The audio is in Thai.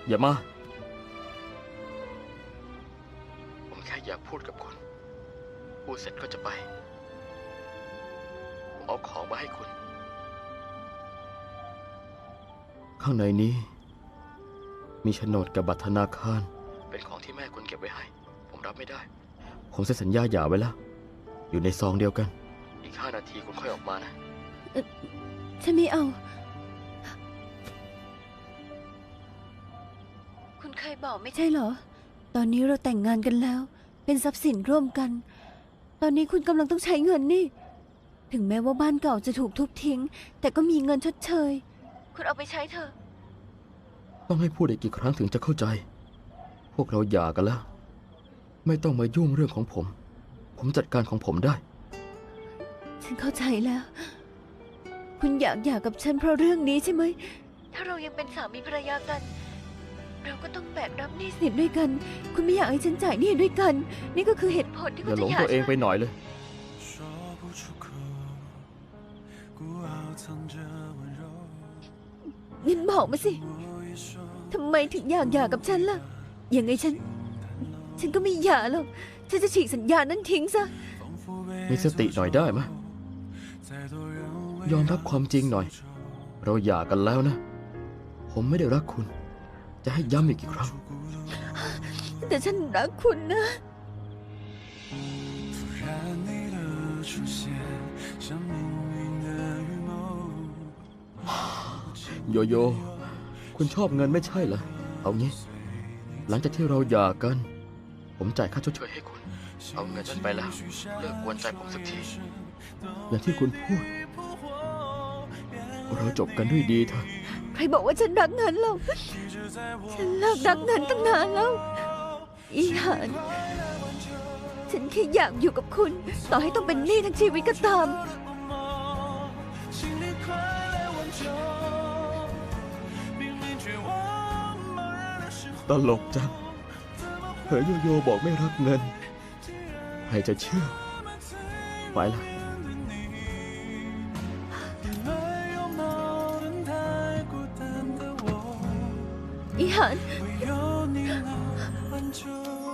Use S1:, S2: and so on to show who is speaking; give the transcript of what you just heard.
S1: อย่ามาผมแค่อยากพูดกับคุณพูดเสร็จก็จะไปผมเอาของมาให้คุณข้างในนี้มีโฉนดกับบัตรธนาคารเป็นของที่แม่คุณเก็บไว้ให้ผมรับไม่ได้ผมเซ็นสัญญาหย่าไว้แล้วอยู่ในซองเดียวกันอีก5 นาทีคุณค่อยออกมานะ
S2: ฉันไม่เอาคุณเคยบอกไม่ใช่เหรอตอนนี้เราแต่งงานกันแล้วเป็นทรัพย์สินร่วมกันตอนนี้คุณกำลังต้องใช้เงินนี่ถึงแม้ว่าบ้านเก่าจะถูกทุบทิ้งแต่ก็มีเงินชดเชยคุณเอาไปใช้เถอะ
S1: ต้องให้พูดอีกกี่ครั้งถึงจะเข้าใจพวกเราหย่ากันแล้วไม่ต้องมายุ่งเรื่องของผมจัดการของผมได้
S2: ฉันเข้าใจแล้วคุณอยากหย่ากับฉันเพราะเรื่องนี้ใช่ไหมถ้าเรายังเป็นสามีภรรยากันเราก็ต้องแบกรับหนี้สินด้วยกันคุณไม่อยากให้ฉันจ่ายหนี้ด้วยกันนี่ก็คือเหตุผลที่คุณจะหย่า
S1: อย่าหลงตัวเองไปหน่อยเลย
S2: งั้นบอกมาสิทำไมถึงอยากหย่ากับฉันล่ะยังไงฉันก็ไม่หย่าหรอกฉันจะฉีกสัญญานั้นทิ้งซะ
S1: มีสติหน่อยได้ไหมยอมรับความจริงหน่อยเราหย่ากันแล้วนะผมไม่ได้รักคุณจะให้ย้ำอีกกี่ครั้ง
S2: แต่ฉันรักคุณนะ
S1: โยโย่คุณชอบเงินไม่ใช่เหรอเอางี้หลังจากที่เราหย่ากันผมจ่ายค่าชดเชยให้คุณเอาเงินนั้นไปแล้วเลิกกวนใจผมสักทีอย่างที่คุณพูดเราจบกันด้วยดีเถอะ
S2: ใครบอกว่าฉันรักเงินเราฉันเลิกรักเงินตั้งนานแล้วอีหานฉันแค่อยากอยู่กับคุณต่อให้ต้องเป็นหนี้ทั้งชีวิตก็ตาม
S1: ตลกจังเผยโยโย่บอกไม่รักเงินใครจะเชื่อไปละ
S2: อีหาน